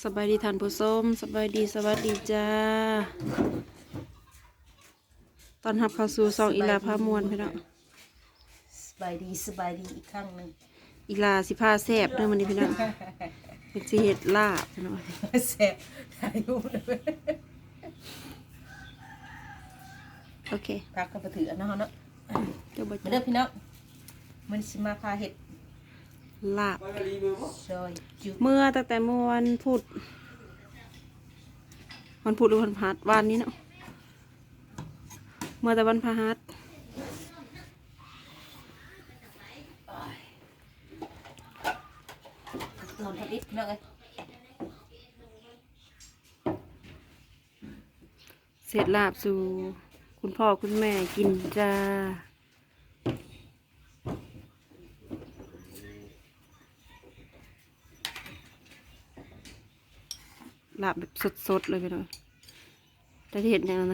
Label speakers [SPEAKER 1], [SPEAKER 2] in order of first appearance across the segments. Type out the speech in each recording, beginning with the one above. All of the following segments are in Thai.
[SPEAKER 1] สบายดีท่านผู้ชมสบายดีสวัสดีจ้าตอนรับเข้าสู่ซองอีลาพามวนพี่น้อง
[SPEAKER 2] สบายดีอีกครั้งหนึ่ง
[SPEAKER 1] อีลาสิพาแซ่บเด้อมื้อนี้พี่น้องเป็นสิเฮ็ดลาบพี่น้อง
[SPEAKER 2] แซ่บอายุเลย
[SPEAKER 1] โอเค
[SPEAKER 2] พักกันไปถืออันนั้นเนาะ
[SPEAKER 1] เดี๋ยวบ่
[SPEAKER 2] มาเด้อพี่น้องมันสิมาพาเห็ด
[SPEAKER 1] ลาบ
[SPEAKER 2] ซอยจุ
[SPEAKER 1] เมื่อตั้งแต่เมื่อวันพุธหรือวันพฤหัสวันนี้เนาะเมื่อแต่วันพฤหัส
[SPEAKER 2] นอนพักนิดพี่น้องเอ้ย
[SPEAKER 1] เสร็จลาบสู่คุณพ่อคุณแม่กินจ้าลาบแบบสดๆเลยพี่น้องแต่ที่เห็นอย่างนั้นนะ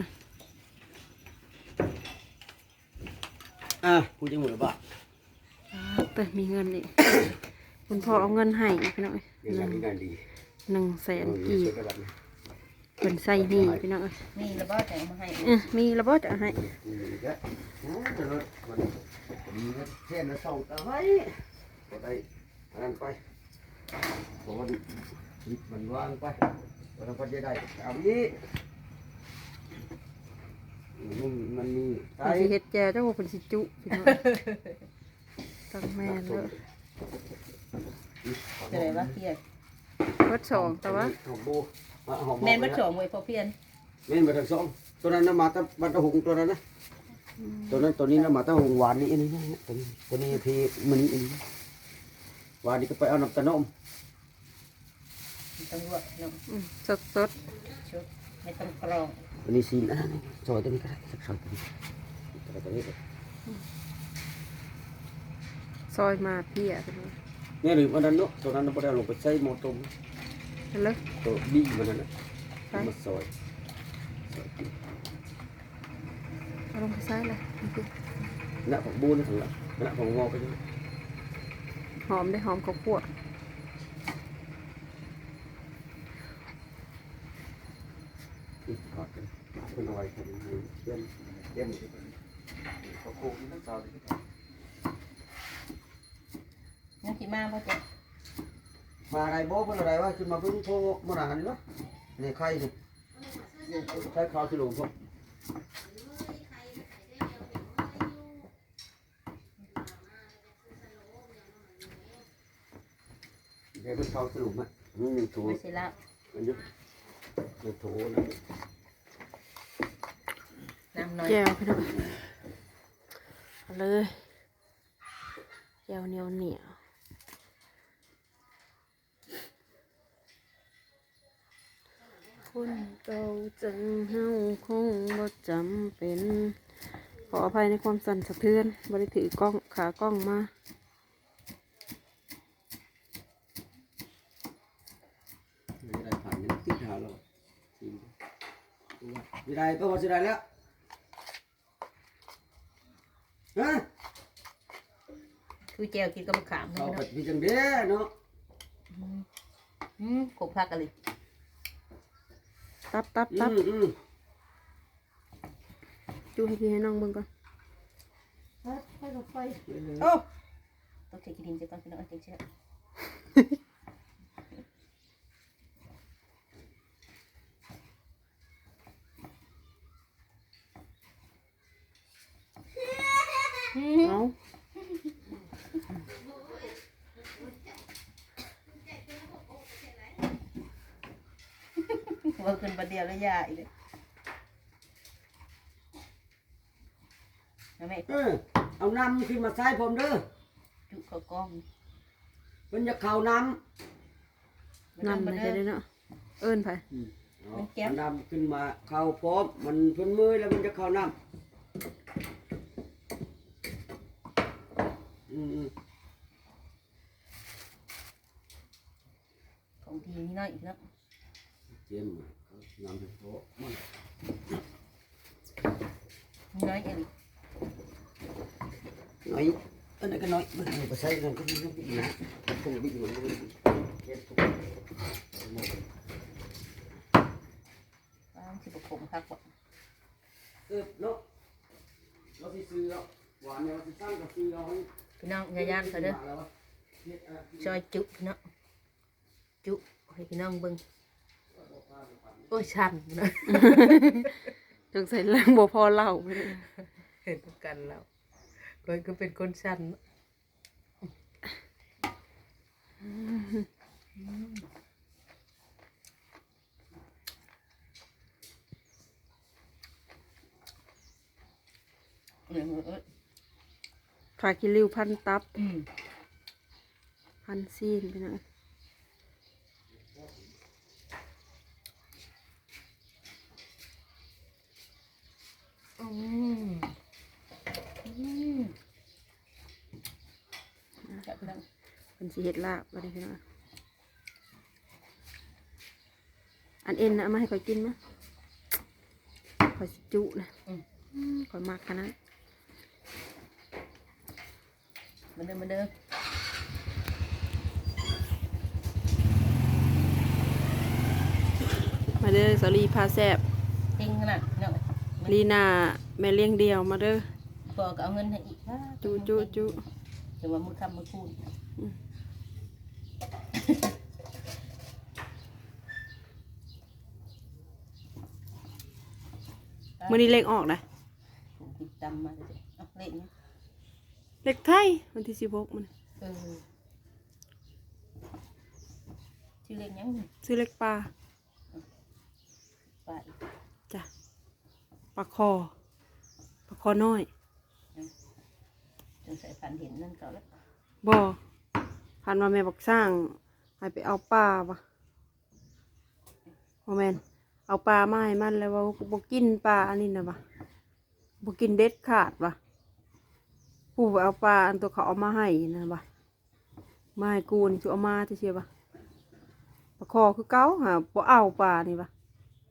[SPEAKER 3] พูดจังหวะบ่า
[SPEAKER 1] แต่มีเงินนี่ คุณพ่อเอาเงินให้พี่น้อง
[SPEAKER 3] เงินงานดี
[SPEAKER 1] 100,000 กี
[SPEAKER 3] เช็
[SPEAKER 1] บ
[SPEAKER 3] คกันนะ
[SPEAKER 1] เป็นใส่หนี่พี่น้อง
[SPEAKER 2] นี่ระเบิดแต่งมาให้
[SPEAKER 1] มีระเบิดจะให้
[SPEAKER 3] นี่ก็โอ้แต่รถมันดีนะแค่นั้นส่งตาไว้ก็ได้อันนั้นไปเพราะมันวางไปแล้วก็จะได้เอานี้มันมี
[SPEAKER 1] เพิ่นสิเฮ็ดแจวเจ้าว่าเพิ่นสิจุพี่น้องตั้งแม่นเลย
[SPEAKER 2] จะได้ว่าเพียน
[SPEAKER 1] เบิดสองแต่ว่า
[SPEAKER 3] หอมโบ
[SPEAKER 2] แม่นบัดโฉมไว้พอเพียน
[SPEAKER 3] แม่นมาทั้งสองตัวนั้นมาตั้งบัตรหงตัวนั้นนะตัวนั้นตัวนี้นะมาตั้งหงหวานนี่อันนี้นะตัวนี้ทีมันนี่อันนี้หวานนี่ก็ไปเอาน้ำตาลนม
[SPEAKER 2] ต้องลวกน้อง
[SPEAKER 1] สด
[SPEAKER 2] ชุดไม่ต้องกรอง
[SPEAKER 3] อันนี้ซีนซอยตัวนี้ก็ได้สักซอยตัวนี้ตัวนี้
[SPEAKER 1] ๆซอยมาเพียพี่น้อง
[SPEAKER 3] เนี่ยหรือวันนั้นเนาะตัวนั้นเราไปเอาลงไปใส่หม้อต้ม
[SPEAKER 1] เห็นเลย
[SPEAKER 3] ตัวบี้มันนั่นนะมาซอย
[SPEAKER 1] เอาลงไปใส่เลยนี่คือ
[SPEAKER 3] หน้าของบูนถึงละหน้าของงอไปด้วย
[SPEAKER 1] หอมได้หอมข้าวคั่ว
[SPEAKER 3] ถอดกันเป็นอะไรกันเย็นเย็นเขาโค้งทั้งซอย
[SPEAKER 2] ยังสิมาบ่จ๊ะ
[SPEAKER 3] มาอะไรโบ้เป็นอะไรวะขึ้นมาเพิ่งโทรมาหนานี่วะนี่ใครนี่ใช้ข้าวที่หลวงพ่อเดี๋ยวเป็นข้าวที่หลวงมั้ยนี่ยังถู
[SPEAKER 2] ไม่ใช่ละ
[SPEAKER 3] มันยุบยังถูนะ
[SPEAKER 2] น้ำน้อย
[SPEAKER 1] แจวพี่น้องเอาเลยแจวเหนียวเหนียวคนเก่าจังเฮาคงบ่จำเป็นขออภัยในความสั่นสะเทือนบ่ได้ถือกล้องขากล้องมา
[SPEAKER 3] ไม่ได้ผ่านยังติดหาเราไม่ได้ก็พอจะได้แล้วฮะ
[SPEAKER 2] คือแจวกินกับมะขาม
[SPEAKER 3] เอา
[SPEAKER 2] เนาะ
[SPEAKER 3] ไปพี่จังเด้เนาะ
[SPEAKER 2] ขบพักกันเลย
[SPEAKER 1] ตับจูให้พี่ให้น้องเบิ่งก่อน
[SPEAKER 2] ให้รถไฟโอ้ต้องเทกินดินจะก่อนพี่น้องจังซี่
[SPEAKER 1] เอา
[SPEAKER 2] ว่าขึ้นประเดี๋ยวแล้วยาอีกเลยนะแม่
[SPEAKER 3] เอาน้ำขึ้นมาใส่ผมเด้อ
[SPEAKER 2] จุกเขากล้อง
[SPEAKER 3] มันจะเข่าน้
[SPEAKER 1] นำไปได้เนาะเอิ้นไป
[SPEAKER 3] ำเอาน้ำขึ้นมาเข่าพร้อมมันพ้นมือแล้วมันจะเข่าน้ำ
[SPEAKER 2] ของทีนี่น้อยอีกแล้ว
[SPEAKER 3] เจียมน้ำให้พอมัน
[SPEAKER 2] นี่น้อยเอง
[SPEAKER 3] น้อยอันนั้นก็น้อยมันเอาไปใส่กันก็มีน้ำบิดนะคงบิดมันก็บิด
[SPEAKER 2] พักบ่
[SPEAKER 3] เนาะเราสิซื้อแล้วหวานเนี่ยเราสิสั่งกับซื้อเราให้
[SPEAKER 2] พี่น้องอย่าย่านเขาเด้อซอยจุพี่น้องจุให้พี่น้องเบิ่งโอ้ยชันนะ
[SPEAKER 1] จงใส่เรื่องบ่พอเล่าไปเลย
[SPEAKER 2] เห็นกันแล้วก้อยก็เป็นคนชัน
[SPEAKER 1] ฝากิริวพันตับ
[SPEAKER 2] อืม
[SPEAKER 1] พันซีนไปหน่อย
[SPEAKER 2] อืมจับพี่น้อง
[SPEAKER 1] เป็นสีเห็ดลาบอะไรพี่น้องอันเอ็นนะเอามาให้ข่อยกินมั้ยข่อยสิจุนะข่อยมากขนาด
[SPEAKER 2] มาเด้อมาเด้อ
[SPEAKER 1] มาเด้อสาลีพาแซบ
[SPEAKER 2] จริงขนาดพี่น้อง
[SPEAKER 1] ลีนาแม่เลี้ยงเดียวมาเด้อ
[SPEAKER 2] พอก็เอาเงินให้อีกว่า
[SPEAKER 1] จุจุจุ
[SPEAKER 2] เดี๋ยวว่ามือคำมือคูณ
[SPEAKER 1] มื้อนี้เลขออกนะ
[SPEAKER 2] ผมติดตามมาเลยเอาเล่นนะ
[SPEAKER 1] เลขไทยวันที่16มัน
[SPEAKER 2] เออชื่อเล่นยัง
[SPEAKER 1] ซื้อเลขปลา
[SPEAKER 2] ไป
[SPEAKER 1] จ้ะปลาคอน้อย
[SPEAKER 2] จนใส่พันเห็นนั่นเก่าแล้ว
[SPEAKER 1] บ่พันว่าแม่บอกสร้างให้ไปเอาปลาปะบ่แม่นเอาปลามาให้มันแล้วว่าบ่กินปลาอันนี้นะปะบ่กินเด็ดขาดปะผู้ไปเอาปลาอันตัวเขาเอามาให้นะปะมาให้กูนี่จะเอามาที่เชียปะปลาคอคือเก่าหาบ่เอาปลานี่ปะ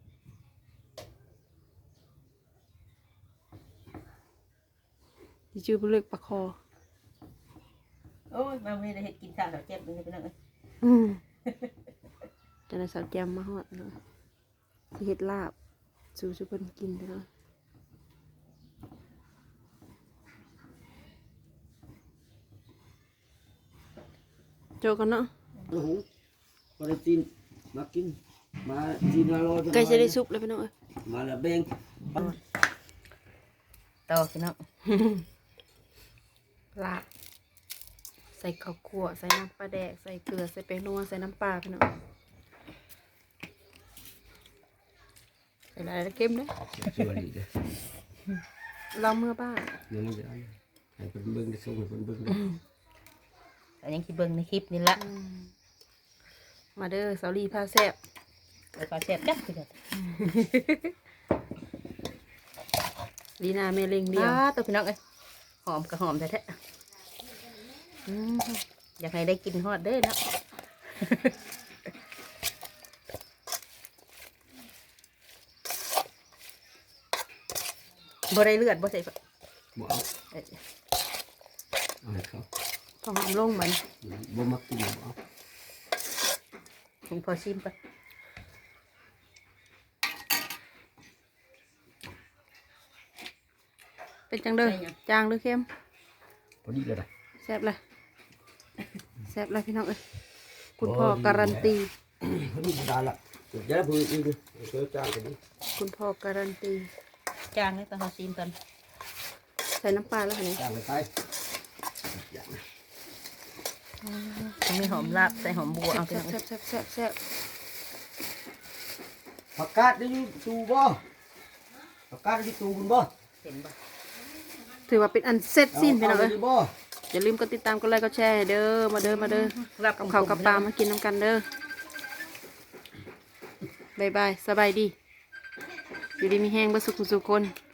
[SPEAKER 1] ที่ชื่อเป็นเล็กปลาคอ
[SPEAKER 2] โอ้ยมาไม่ได้เห็ดกินข้าวเราเจ็บเลยพี่น้อง
[SPEAKER 1] อืมจะได้สาวแกมมาฮอดเนาะสิเฮ็ดลาบสู่สุเพิ่นกินเนาะโจกันเนาะ
[SPEAKER 3] โอ้โหปลาจีนมากินมาจีนมาโรย
[SPEAKER 1] ใกล้จะได้ซุปแล้วพี่น้องเอ้ย
[SPEAKER 3] มาละเบง
[SPEAKER 2] ต่อพี่น้อง
[SPEAKER 1] ลาบใส่ข้าวคั่วใส่น้ำปลาแดกใส่เกลือใส่แป้งนัวใส่น้ำปลาพี่น้องใส่หลายแล้วเค็มเด้อ
[SPEAKER 3] สวยดีเลย
[SPEAKER 1] เราเมื่อบ้าน
[SPEAKER 3] ยังไม่ได้ให้เป็นเบิ้งได้ส่งให้เป็นเบิ้งได้
[SPEAKER 2] แต่ยังคิดเบิ่งในคลิปนี่ละ
[SPEAKER 1] มาเด้อสาวลีพาแซ่บ
[SPEAKER 2] แล้วก็แซ่บจักพี่น้อง
[SPEAKER 1] ลีนาแม่เล็งเดียว
[SPEAKER 2] ตัวพี่น้องเอ้ยหอมกับหอมแท้ๆอยากให้ได้กินฮอดเด้อเนาะ บ่ได้เลือดบ่ใส่ฝัก
[SPEAKER 3] บ่เอา
[SPEAKER 2] เอ้ย
[SPEAKER 3] เอาให้เขา
[SPEAKER 1] ก็หอมลงเหมือน
[SPEAKER 3] บ่มักกินบ่เอา
[SPEAKER 2] ผมพอชิมไป
[SPEAKER 1] เป็นจังเด้อจางหรือเค็ม
[SPEAKER 3] พอดีเลยนะ
[SPEAKER 1] แซ่บเลยแซ่บเลยพี่น้องเอ้ยคุณพ่อการันตี
[SPEAKER 3] พอดีได้ละเดี๋ยวพูดอีกดิเจอจานกันดิ
[SPEAKER 1] คุณพ่อการันตี
[SPEAKER 2] จางเลยต้องเอาชิมกัน
[SPEAKER 1] ใส่น้ำปลาแล้วค่ะนี่
[SPEAKER 3] จานไปไปอย่าง
[SPEAKER 2] มีหอมลาบใส่หอมบัวเอาพี่
[SPEAKER 1] แซ่
[SPEAKER 2] น้
[SPEAKER 1] บ
[SPEAKER 2] อง
[SPEAKER 1] แซ่บแซ่บแซ่บ
[SPEAKER 3] ผักกาดได้อยู่ตูบ่ผักกาดได้อยู่ตูคุณบ่
[SPEAKER 2] เห็นบ่
[SPEAKER 1] ถือว่าเป็นอันเสร็จสิ้นพี่น้องเอ้ย
[SPEAKER 3] บ่
[SPEAKER 1] อย่าลืมกดติดตามกดไลค์กดแชร์ให้เด้อมาเด้อมาเด้อ
[SPEAKER 2] ลาบ
[SPEAKER 1] กับข้าวกับปลามากินน้ำกันเด้อ บายบายสบายดี อยู่ดีมีแห้งบ่สุขสุขคน